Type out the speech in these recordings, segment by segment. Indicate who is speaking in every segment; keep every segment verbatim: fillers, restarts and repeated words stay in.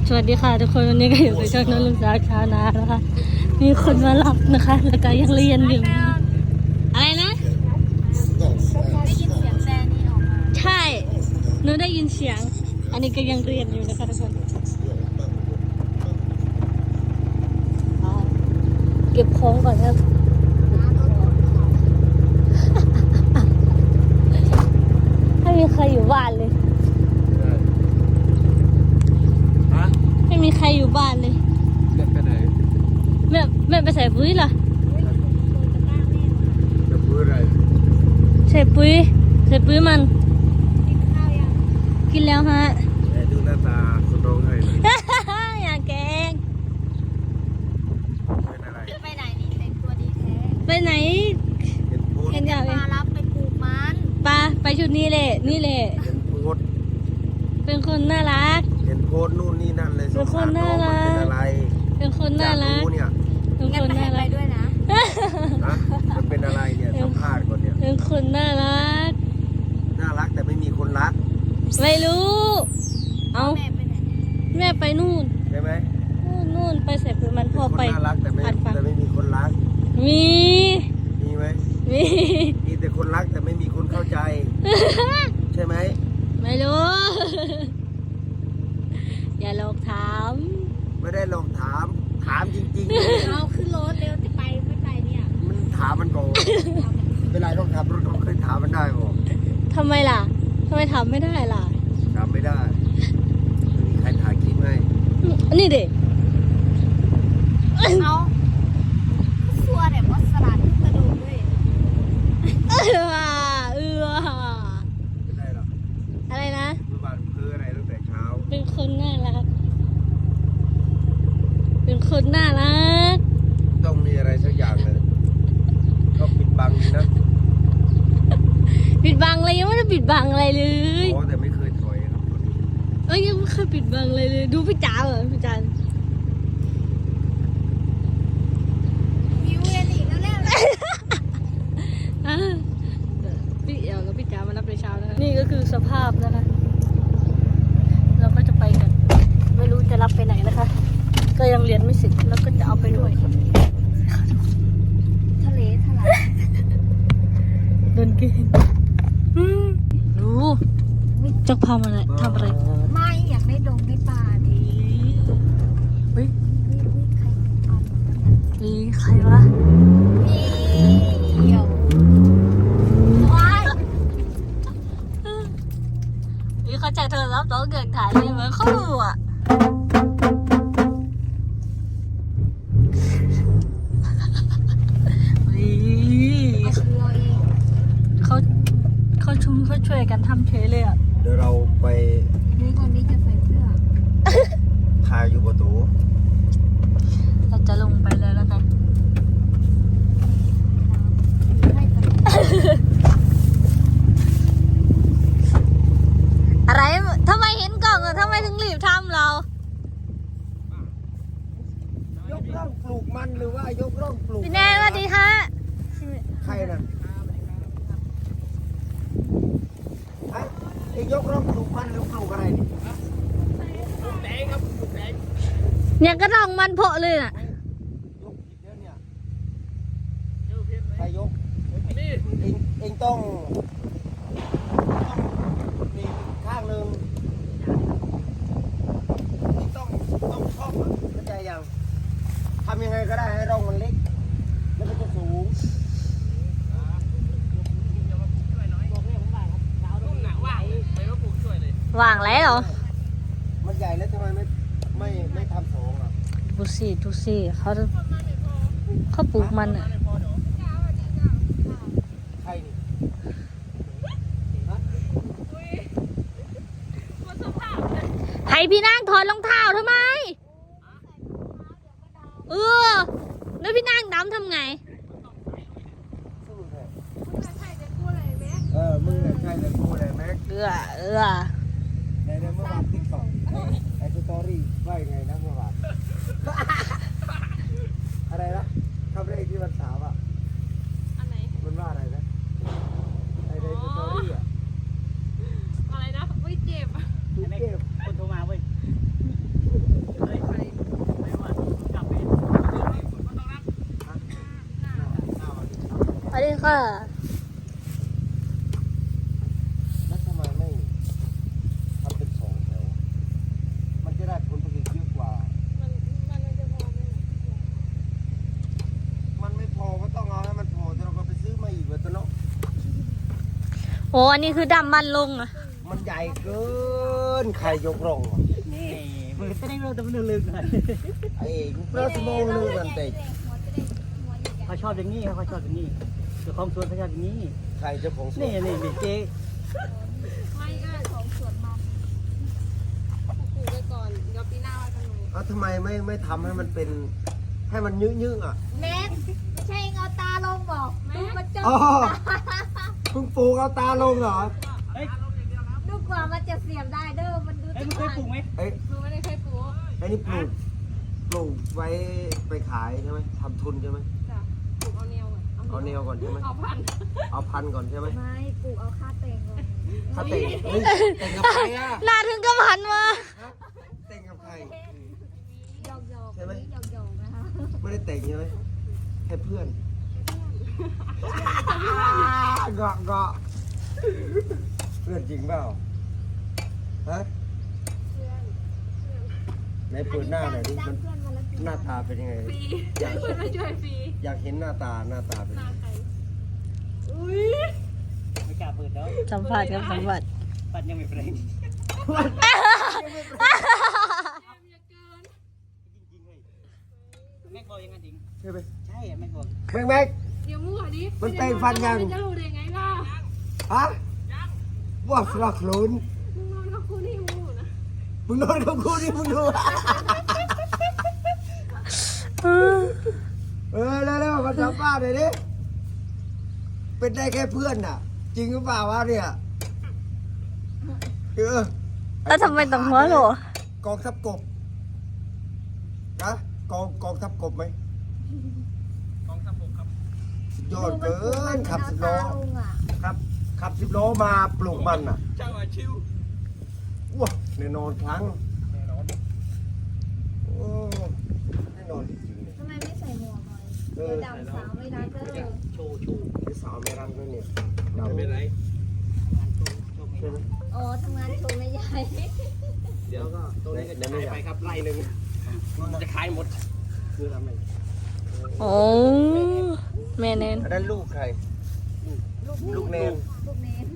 Speaker 1: สวัสดีค่ะทุกคนวันนี้ก็อยู่กับช่องน้องลุงสาวชาวนานะคะมีคนมารับนะคะแล้วก็ยังเรียนอยู่อะไรนะ
Speaker 2: ได้ยินเสียงแซนี่ออกมา
Speaker 1: ใช่หนูได้ยินเสียงอันนี้ก็ยังเรียนอยู่นะคะทุกคนเก็บของก่อนครับไม่มีใครอยู่บ้านเลยไม่มีใครอยู่บ้านเลย
Speaker 3: แม่ไปไหน
Speaker 1: แม่แม่ไปใส่ปุ๋ยเหรอ
Speaker 3: จะพูดอะไร
Speaker 1: ใส่ปุ๋ยใส่ปุ๋ยมัน
Speaker 2: กินข้าวยัง
Speaker 1: กินแล้วฮะ
Speaker 3: แต่ดูหน้าตาคนร้องไห้เลย
Speaker 1: อย่าแกง
Speaker 3: เป็นอะไร
Speaker 2: ไปไหนนี่แต่งตัวดีแท้
Speaker 1: ไปไหน
Speaker 3: เห็นพูด
Speaker 1: เห็นอย่าง
Speaker 2: มารับไปปลูกมัน
Speaker 1: ปาไปชุดนี้แหละนี่แหละ
Speaker 3: เห็นพูด
Speaker 1: เป็นคนน่ารัก
Speaker 3: เห็นโพสนู่นนี่นั่นเลย
Speaker 1: เป็นคนน่ารัก
Speaker 3: เป็นอะไร
Speaker 1: เป็นคนน่ารัก
Speaker 3: เนี่ย
Speaker 1: เป็นคนน่ารัก
Speaker 2: ด้วยนะ
Speaker 3: นะมันเป็นอะไรเนี่ยสัมภาษณ์ก่อนเนี่ย
Speaker 1: เป็นคนน่ารัก
Speaker 3: น่ารักแต่ไม่มีคนรัก
Speaker 1: ไม่รู้เอา
Speaker 2: แม่ไปไหน
Speaker 1: แม่ไปนู่น
Speaker 3: ใช่ไหม
Speaker 1: นู่นนู่นไปใส่ปุ๋ยมันพ่อไป
Speaker 3: น่ารักแต่ไม่แต่ไม่มีคนรัก
Speaker 1: มี
Speaker 3: มีไหม
Speaker 1: มี
Speaker 3: มีแต่คนรักแต่ไม่มีคนเข้าใจใช่ไหม
Speaker 1: ไม่รู้อย่าลองถาม
Speaker 3: ไม่ได้ลองถามถามจริง
Speaker 2: ๆเอาขึ้นรถเร็วจะไปไม่ไปเนี่ย
Speaker 3: มันถามมันก่อนเวลาต้องขับรถต้องเคยถามมันได้บ่
Speaker 1: ทำไมล่ะทำไมถามไม่ได้ล่ะ
Speaker 3: ถามไม่ได้ไม่มีใครถ่ายคลิปให้
Speaker 1: นี่เด็ก
Speaker 2: เอาซัวเนี่ยว่าสลัดกระดูกด้วย
Speaker 1: เออว่ะเออว่ะ
Speaker 3: เป็นไรหรอ
Speaker 1: อะไรนะ
Speaker 3: เมื่อวานเพื่ออะไรตั้งแต่เช้า
Speaker 1: เป็นคนน่ารักเป็นคนน่ารัก
Speaker 3: ต้องมีอะไรสักอย่างเลยก็ปิดบังนะ
Speaker 1: ปิดบังอะไรยังไม่ได้ปิดบังอะไรเลย
Speaker 3: อ๋อแต่ไม่เคยถอยครับคนนี้
Speaker 1: เอ้ยยังไม่เคยปิดบังอะไรเลยดูพี่จ๋าเหรอพี่จ๋า
Speaker 2: มิวเรียนอีกแล้วแล้ว
Speaker 1: พี่เอ๋กับพี่จ๋ามารับในเช้านะคะนี่ก็คือสภาพนะคะเราก็จะไปกันไม่รู้จะรับไปไหนนะคะก็ยังเรียนไม่เสร็จแล้วก็จะเอาไปด้วย
Speaker 2: ทะเลทลาย
Speaker 1: โดนกินดูจะพามาอะไรทำอะไร
Speaker 2: ไม่อยากได้ดงได้ปลาดิ
Speaker 1: เฮ้ย
Speaker 2: วิใครเอา
Speaker 1: มีใครวะ
Speaker 2: เดี๋ยวว้าย
Speaker 1: นี่เขาจากโทรศัพท์ต้องเกิดถ่ายเลยเหมือนเขาดูอ่ะเขาเขาชุมเขาช่วยกันทำเทเลยอ่ะ
Speaker 3: เดี๋ยวเราไป
Speaker 2: นี่คนนี้จะใส่เสื้อ
Speaker 3: พาอยู่ประตู
Speaker 1: เราจะลงไปแล้วนะคะอะไรทำไมเห็นกล่องอ่ะทำไมถึงรีบทำเรา
Speaker 3: ยกร่องปลูกมันหรือว่ายกร่องปลูก
Speaker 1: พี่แนนสวัสดีฮะ
Speaker 3: ใครน่ะไอ้ยกร่องปลูกมันหรือปลูกอะไรนี่ปลูกแดงครับปลูกแดง
Speaker 1: เนี่ยก็ต้องมันเพาะเลยน่ะ
Speaker 3: ยกผิดแล้วเนี่ยใครยกเองเองต้องต้องมีข้างหนึ่งเองต้องต้องชอบเข้าใจยังทำยังไงก็ได้ให้ร่องมันเล็กแล้วมันจะสูง
Speaker 1: ว่างแล้วเหรอ
Speaker 3: มันใหญ่แล้วทำไมไม่ไม่ไม่ทำสองอ่ะ
Speaker 1: ดูสิดูสิเขาเขาปลูกมันอ่ะ
Speaker 3: ใครนี่
Speaker 1: ให้พี่นางถอดรองเท้าทำไมเออแล้วพี่นางดำทำไง
Speaker 3: เออมึงเนี่ยใช่เลยกูเลยแม็ก
Speaker 1: เออเออ
Speaker 3: ในในเมื่อวานติ๊กต็อกไอ้สตอรี่ว่ายังไงนะเมื่อวานอะไรนะคำแรกที่มันถามอ่ะ
Speaker 2: อันไหน
Speaker 3: มันว่าอะไรนะไอ้ในสตอรี่อ่ะ
Speaker 2: อะไรนะไม่เจ็บ
Speaker 3: เจ็บคนโทรมาเว้ย
Speaker 1: ค่ะ
Speaker 3: แล้วทำไมไม่ทำเป็นสองแถวมันจะได้ผลผลิตเยอะกว่า
Speaker 2: มันมันมันจะพอไหม
Speaker 3: มันไม่พอก็ต้องเอาให้มันพอแต่เราก็ไปซื้อมาอีกเว้ยตัวเนาะ
Speaker 1: โอ้อันนี้คือดำมันลงอ่ะ
Speaker 3: มันใหญ่เกินใครยกร่องวะ
Speaker 2: นี่
Speaker 4: มันจะได้รู้แต่มันลึกๆหน่อย
Speaker 3: ไอ้เพื่อสมองเลยมันเตะ
Speaker 2: หัวจะได้หัวใหญ่
Speaker 4: เขาชอบอย่างนี้เขาชอบอย่างนี้เจ้าของสวนเขาชอบอย่างนี้
Speaker 3: ใครเจ้าของสวน
Speaker 4: นี่นี่นี่เจ๊
Speaker 2: ๆไม่ก็ของสวนมันปลูกไว้ก่อนเดี๋ยวปีหน้าว่ากันใหม่
Speaker 3: เอ้าทำไมไม่ไม่ทำให้มันเป็นให้มันยืดๆอ่ะ
Speaker 2: แม็กไม่ใช่เอาตาลงบอกดูมันจะ
Speaker 3: อ๋อเพิ่งปลูกเอาตาลงเหรอ
Speaker 4: เฮ้ย
Speaker 2: ดูกว่ามันจะเสียบได้เด้อมันดู
Speaker 4: เฮ้ย
Speaker 2: จะ
Speaker 4: มันเคยปลูกไหม
Speaker 3: เอ้ย
Speaker 2: ดูไม่ได้เคยปลูก
Speaker 3: ไอ้นี่ปลูกปลูกไว้ไปขายใช่ไหมทำทุนใช่ไหม
Speaker 2: จ้ะปลูกเอาแนวก่อน
Speaker 3: เอาแนวก่อนใช่ไหม
Speaker 2: เอาพัน
Speaker 3: เอาพันก่อนใช่ไหม
Speaker 2: ไม่ปลูกเอาค่าเต็งก่อน
Speaker 3: ถ้าเต่งเฮ้ยเต่งกับใครอ่ะ
Speaker 1: หน้าถึงกับหันมา
Speaker 3: เต่งกับใคร
Speaker 2: หยอกหยอก
Speaker 3: ใช่ไหม
Speaker 2: หยอกหยอกนะคะ
Speaker 3: ไม่ได้เต่งใช่ไหมแค่เพื่อนเกาะเกาะเพื่อนจริงเปล่าฮะ
Speaker 2: เพื่อน
Speaker 3: ไหนเปิดหน้าหน่อยดิ
Speaker 2: จ้า
Speaker 3: มั
Speaker 2: ง
Speaker 3: น
Speaker 2: เพื่อนมาแล้ว
Speaker 3: หน้าตาเป็นยังไงอยาก
Speaker 2: เพื่อนมาช่วยฟรี
Speaker 3: อยากเห็นหน้าตาหน้าตาเป็นยังไง
Speaker 2: ใครอุ้ย
Speaker 4: ไม่กล้าเปิดแล้ว
Speaker 1: สัมผัสกับสัมผัส
Speaker 4: ปัดยังไม่เปล่งแม่บอกยังไงจริง
Speaker 3: ใช่ไหม
Speaker 4: ใช่แม่บอก
Speaker 3: แม็กแม็ก
Speaker 2: เดี๋ยวมั่วดิ
Speaker 3: มันเตะฟันยัง
Speaker 2: จะรู้ได้ไงล่ะ
Speaker 3: ฮะว่าสลักหลุน
Speaker 2: มึงนอนกับคุณนี่มูนะ
Speaker 3: มึงนอนกับกูนี่มึงดูเออแล้วแล้วมาสัมภาษณ์หน่อยดิเป็นได้แค่เพื่อนน่ะ จริงหรือเปล่าวะเนี่ยเออ
Speaker 1: แล้วทำไมต้องหัวโหล
Speaker 3: กองทัพกบนะกองกองทัพกบไหม
Speaker 4: กองทัพบกครับ
Speaker 3: สุดยอดเกินขับสิบล้อครับขับสิบล้อมาปลูกมันอ่ะ
Speaker 4: เจ้าอาชิว
Speaker 3: ว้าแน่นอนครั้ง
Speaker 4: แน่นอน
Speaker 3: โอ้แน่นอนจริงๆเลย
Speaker 2: ทำไมไม่ใส่หมวกหน่อย
Speaker 3: เอ
Speaker 2: เดี๋ย
Speaker 3: อ
Speaker 2: วดำสาวไม่ได้เด้อ
Speaker 4: โชว์โชว์
Speaker 3: ไอ้สาวไม่รันด้วยเนี่ยดำ
Speaker 4: ไม่เป็นไรงานโชว์โชว์ไม่
Speaker 3: ใช่ไหม
Speaker 4: ได้
Speaker 2: อ๋อทำงานโชว์ไม่ใหญ่
Speaker 4: เดี๋ยวก็ตัวนี้ก็จะขายไปครับไล่หนึ่งจะขายหมดคือทำไม
Speaker 1: โอ้แม่เน้น
Speaker 3: อันนั้นลูกใคร ลูกเนน
Speaker 2: ลูกเนน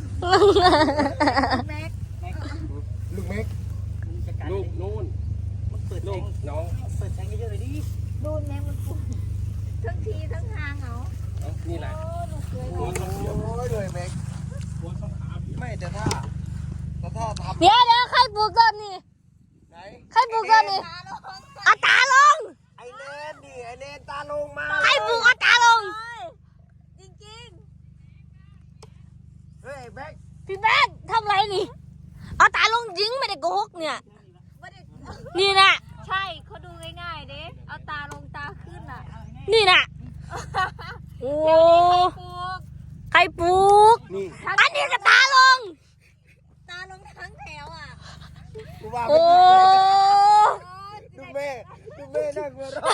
Speaker 2: แม็ก
Speaker 3: ลูกเม็ก
Speaker 4: ลูกนู่นมันเปิดลูกน้องเปิดแทงเยอะเลยดิ
Speaker 2: ดูแม็กมันปลูกทั้งทีทั้งทางเหรอ
Speaker 4: นี่แหละ
Speaker 2: โอ้ลูกสวย
Speaker 3: โอ้ยเลยเม็กไม่แต่ถ้าแต่ถ้าท
Speaker 1: เดี๋ยวเดี๋ยวใครปลูกต้นนี่
Speaker 3: ำไหน
Speaker 1: ใครปลูกต้นนี่เอาตาลง
Speaker 3: ไอเนนดิไอเนนตาลงมา
Speaker 1: ใครปลูกเอาตาลง
Speaker 2: จริงจริง
Speaker 3: เฮ้ยแม็ก
Speaker 1: พี่แบ๊กทำไรนี่ เอาตาลงจริงไม่ได้โกหกเนี่ย
Speaker 2: ๆไม่ได้
Speaker 1: นี่นะ
Speaker 2: ใช่เขาดูง่ายๆเด้เอาตาลงตาขึ้นอ่ะ
Speaker 1: นี่นะโอ้
Speaker 2: ปลูก
Speaker 1: ใครปลูก
Speaker 3: นี่
Speaker 1: อันนี้ก็ตาลง
Speaker 2: ตาลงทั้งแถวอ่ะ
Speaker 3: กูว่า
Speaker 1: โอ้
Speaker 3: ดูแม่ดูแม่นั่งหัวเราะ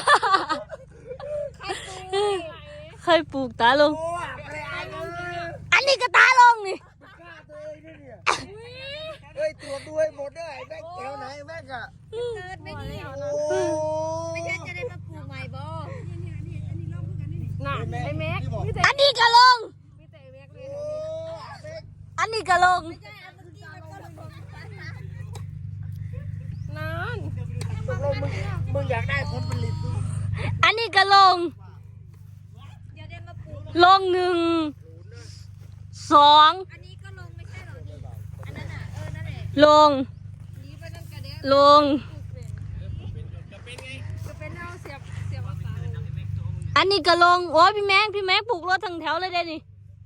Speaker 1: ใครปลูกตาลง
Speaker 3: โอ้ยอะไรอ่ะเออ
Speaker 1: อันนี้ก็ตาลงนี่
Speaker 3: มึงฆ่าตัวเองด้วยเนี่ยเฮ้ยตรวจดูให้หมดด้วยไอ้แม็กแถวไหนแม็กอะ
Speaker 2: เกิดไม่ดี
Speaker 3: โอ้
Speaker 2: ไม่ใช่จะได้มาปลูกใหม่บ่
Speaker 3: น่ะไอ้แม็ก
Speaker 1: อันนี้ก็ลง
Speaker 2: มีแต่แม็กเลย
Speaker 3: โอ้แม็ก
Speaker 1: อันนี้ก็ลง
Speaker 2: ไม่ใช่อันเมื่อกี้มันก็ลงกันนะ
Speaker 3: ตกลงมึงมึงอยากได้ผลผลิตมึง
Speaker 1: อันนี้ก็ลง
Speaker 2: เดี๋ยวได้มาปลูก
Speaker 1: ลงหนึ่ง สอง
Speaker 2: อันนี้ก็ลงไม่ใช่หรออันนั้นอ่ะเออนั่นแหละ
Speaker 1: ลง
Speaker 2: นี้ไปนั่นกระเด็น
Speaker 1: ลง
Speaker 2: จะเป็นเอาเสียบเสียบเอาตาลง
Speaker 1: อันนี้ก็ลง โอ้ยพี่แม็กพี่แม็กปลูกรถทั้งแถวเลยได้นี่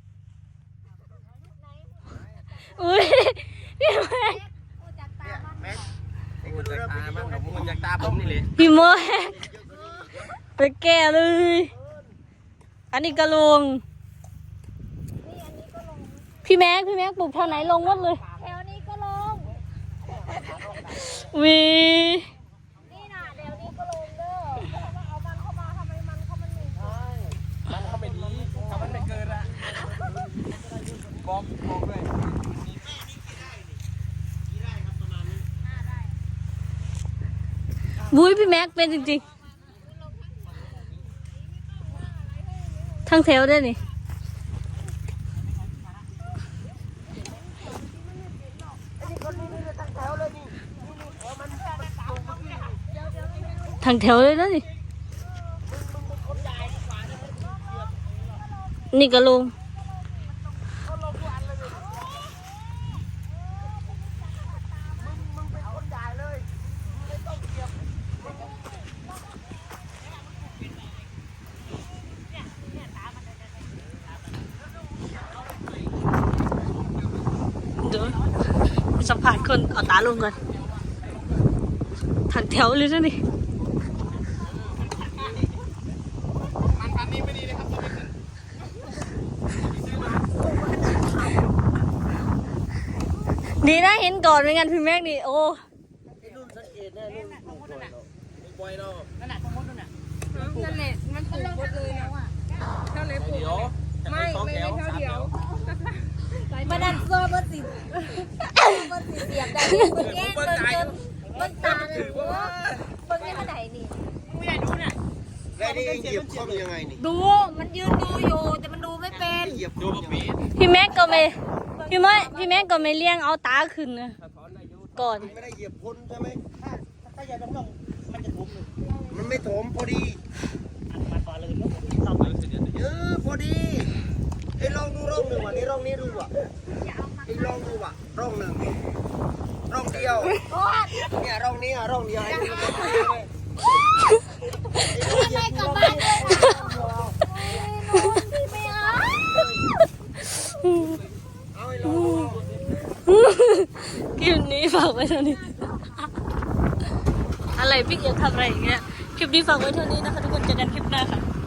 Speaker 1: อุ้ยพี่แม็ก
Speaker 2: โอ้จากตาบ้าน
Speaker 3: แม็ก
Speaker 4: ไอ้คนจากตาบ้างผมจากตาผมนี่เลย
Speaker 1: พี่แม็กไปแก่เลย อันนี้ก็ลง
Speaker 2: นี่อันนี้ก็ลง
Speaker 1: พี่แม็กพี่แม็กปลูกเท่าไหนลงหมดเลย
Speaker 2: แถวนี้ก็ลง
Speaker 1: วี
Speaker 2: นี่น่ะเดี๋ยวนี้ก็ลงเด้อเพราะว่าเอามันเข้ามาทำไมมันเขามันมี
Speaker 4: มันเขาไม่ดีถ้ามันไม่เกินอะไร
Speaker 1: บุ้ยพี่แม็กเป็นจริงๆทั้งแถวด้วยนี่ ทางแถวเลยนะนี่ นี่ก็ลงเดี๋ยวสัมผัสคนเอาตาลงก่อนทางแถวเลยนะนี่ ดีนะเห็นก่อนไม่งั้นพี่แม็กนี่โอ้
Speaker 3: รุ่นสังเกตแน่รุ่นปลูกก่อนเนาะ
Speaker 4: บอยเนาะ
Speaker 2: นั่นแหละมันปลูกหมดเลยนะเท่าไหนปลูก
Speaker 4: เดี๋ยวจะ
Speaker 2: ไม่
Speaker 4: ให้สอง
Speaker 2: ไม่
Speaker 4: แถว
Speaker 2: ไม่เท่า
Speaker 4: สาม
Speaker 2: เดี
Speaker 4: แถ
Speaker 2: ยว
Speaker 4: ว
Speaker 5: มาดันโซ่เบอร์สิบเบอร์สิบเสียบได้เบอร์แย่เบอร์เกินเบอร์ตาเนี่ยเบอร์แย่เท่าไหร่นี่
Speaker 3: แล้วนี่เหยียบคอมยังไงนี่
Speaker 5: ดูมันยืนดูอยู่แต่มันดูไม่เป็น
Speaker 3: เหยียบค
Speaker 4: ดู
Speaker 3: อม
Speaker 4: บะ
Speaker 3: ยัง
Speaker 4: ปี
Speaker 3: ไง
Speaker 1: พี่แม็กก็ไม่พี่แม็กพี่แม็กก็ไม่เลี้ยงเอาตาขึ้นนะก่อน
Speaker 3: ไม่ได้เหยียบพ้นใช่ไหมถ้าถ้าอย่าต้องลงมันจะถมมันไม่ถมพอดีเออพอดีไอ้ลองดูร่องหนึ่งว่ะนี่ร่องนี้ดูว่ะไอ้ลองดูว่ะร่องหนึ่งร่องเดียวเนี่ยร่องนี้อ่ะร่องเดียวไอ้นี่มันจะไปเลย
Speaker 5: ไม่กลับบ้านเลยนู้นพี่ไม่เอา
Speaker 3: เอาไอ้ลองดู
Speaker 1: คลิปนี้ฝากไว้เท่านี้ อะไรพี่อยากทำอะไรอย่างเงี้ยคลิปนี้ฝากไว้เท่านี้นะคะทุกคนเจอกันคลิปหน้าค่ะ